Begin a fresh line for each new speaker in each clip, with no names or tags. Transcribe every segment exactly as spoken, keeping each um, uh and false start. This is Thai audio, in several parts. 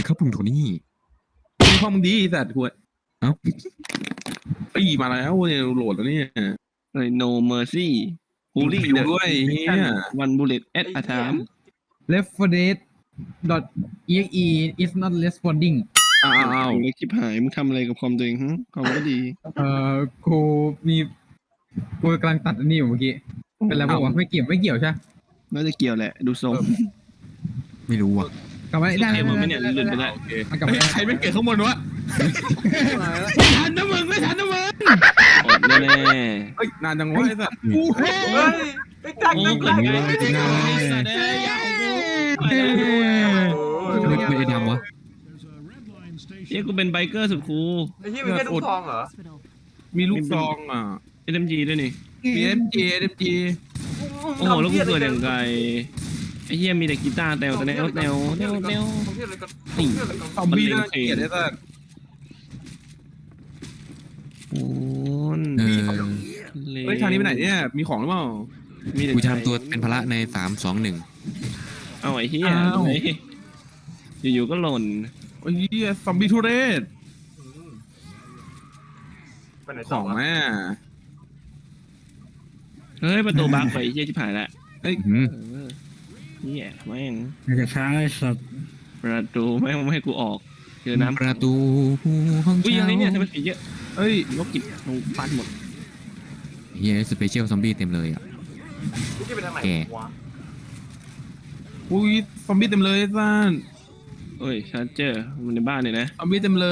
ครับลุงโทนี่
มีห้องมึงดีสัตว์ขวด
เอ้า
ปีมาแล้วเนี่ยโหลดแล้วเนี่ย
เลย no mercy ฮูลี่
อยู่ด้วยเฮีย
วันบูเลตแอดอาถาม
left for dead dot exe is not responding
อ้าวอ้าว
เล็กชิบหายมึงทำอะไรกับคอมตัวเองฮะคอมก็ดี
เอ่อกูมีกูกำลังตัดอันนี้อยู่เมื่อกี้เป็นไรบอกว่าไม่เกี่ยวไม่เกี่ยวใช่
น่าจะเกี่ยวแหละดูทรง
ไม่รู้อ่ะ
กลับมาได้
เกมมันไม่เนี่ยหลุดไปได้
โอเค
มันกลับ
เฮ้
มาย
ใครไม่เกิดข้างบนวะ
ไม่ทันนะมึงไม่ทันนะมึง
อดแน่
เฮ้ยนานจังวะไอ้สัตว์
กูเฮ้ย
เฮ้ยไอ้จัง
ๆโอ้
นี่
เกิดไงไม่ได้สัตว์เอ้ยยาของกูไปแล้ว
ไม่ไม่ได้ดำวะ
เฮ้ยกูเป็นไบเกอร์สุดคูล
ไอ้ที่มันแค่ลูกทองเหรอ
มีลูกซองอ่ะ
เอ็มจีด้วยนี่
มีเอ็มจีเอ็มจี
โอ้โหแล้วกูเกิดอย่างไกลไอ้เหี้ยมีแต่กีตาร์แนวแต่แนวแนวแนวแนว
นี่
ซอมบี้น่าเกลียดไอ้สัตว์
โอ้ย
เออ
เฮ้ยทางนี้ไปไหนเนี่ยมีของหรือเปล่า
มีแต่
กูจะทำตัวเป็นพละในสามสองหนึ่ง
เอาไอ้เหี้ยอยู่ๆก็หล่น
โอ้ยเฮียซอมบี้ทุเรศ
ไปไหน
ข
ต่อ
อง
วะ
แม่
เฮ้ยประตูบังไปเหี้ยชิบหายละ
เฮ้ย
อืม
เออเหี้ยแม่ง
จะช้างไอ้สัตว์
ประตูแม่งไม่ให้กูออกเจอน้ำ
ประตูห้อง
อุ้ย
เช่า
อะไรเนี่ยทำไมผีเยอะ
เฮ้ย
ลบกิจลงปันหมด
เฮียสเปเชียลซอมบี้เต็มเลยอ่ะ
ที่ไปทางไหนวะ
อุ้ยซอมบี้เต็มเลยไอ้สัตว์
เอ้ยชาร์เจอร์มันในบ้านเนี่ยนะ
ซอมบี้เต็มเลย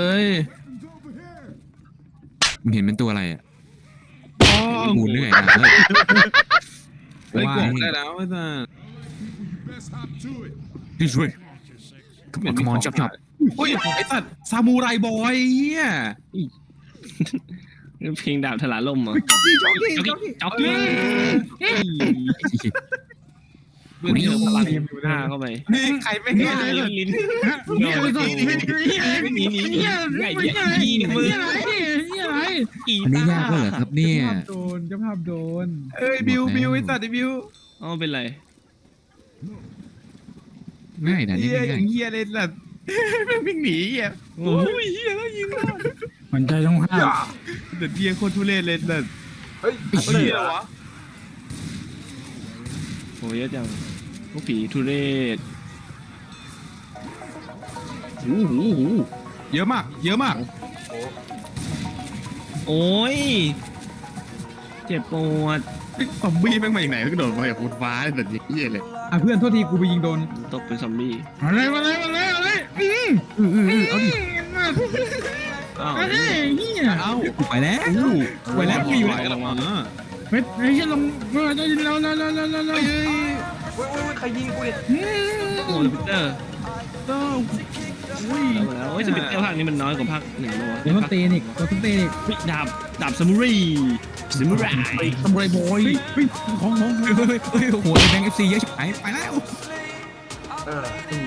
มึงเห็นเป็นตัวอะไรอ่ะ
อ๋อ
กูเหนื่อยนะเฮ้ย
เฮ้ย
ว่า
กล่องได้แล้วไอ้สัตว์
ดิช่วยขมอนขมอนจับจับ
อุ้ยไอ้สัตว์ซามูไรบอยเฮีย
เพลงดาบถลาล่มเหรอ
จ็อกกี้จ็อกกี้
จ็อก
จ็อก
กี้
กี้
จ็อกกี้
เพื่อนเจอพลัง
หน้าเข้าไป
นี่ใครไม่ได้
ลิ้นลิ้นหนีหนีหนีใหญ่ใหญ่ยีมือ กี
อันนี้ยากก็เหรอครับเนี่ย
โดนเจ้าภาพโดน
เอ้ยบิวบิวไอ้สัตว์ไอ้บิว
อ๋อเป็นไร
ง่ายนะนี่
เฮียอ
ง่า
ย่าย งเฮียเลยสัตว์แม่งวิ่งหนีเฮีย
โอ้
โอ้
ย
ยเฮียแล้วยิงรอด
มันใจต้องห้าม
แต่เฮียโคตรทุเรศเลยสัตว์
เฮ้ย
เฮียเหรอวะ
โหเยอะจังพวกผีทุเรศ
โอ้โหเยอะมากเยอะมาก
โอ้ยเจ็บปวด
ซอมบี้แม่งมาจากไหนก็โดดมาจากบนฟ้าแบบเฮียเลย
อ่ะเพื่อนโทษทีกูไปยิงโดน
ตกเป็นซอมบี้
อะไรมาเลยมาเลยมาเลยอืม
เออเออเออเอาดิ
อ้าว
เฮ้ยเฮีย
เอ้า
กูไปแล้ว
ไปแล้วกูอยู่
ไหว
แล้ว
กันออกมา
เฮ้ยเฮ้ยลงเราเราเราเราเราเราเรา
เฮ้ย
เฮ้ยเฮ้ยใครยิงกูเนี่ย
โอ้สปิเตอร์
ต้อง
อุ้ยแล้วโอ้ยสปิเตอร์ภาคนี้มันน้อยกว่าภาคหนึ่งเลยวะ
เดี๋ยวมันตีอีกตัวต้องตีอีก
เฮ้ยดาบดาบซามูไรซามูไร
ซามูไรบอย
เฮ้ยของของ
เฮ้ยเฮ้ยเฮ้ยโอ้โหแบงค์เอฟซีเยอะชิบหายไปแล้ว
เออ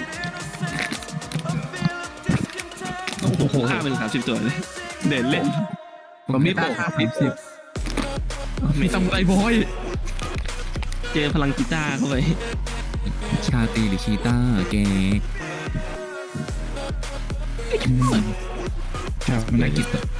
โอ้โหฆ่าเป็นสามสิบตัวเลยเด่นเล่น
ซอมบี้โบกสิบสิบมีซามูไรบอย
เจอพลังกีตาร์เข้าไป
ชาตีหรือชีต้าแก
ครับมัน
นั
ได้
ก
กิ
กี
น
ตาร์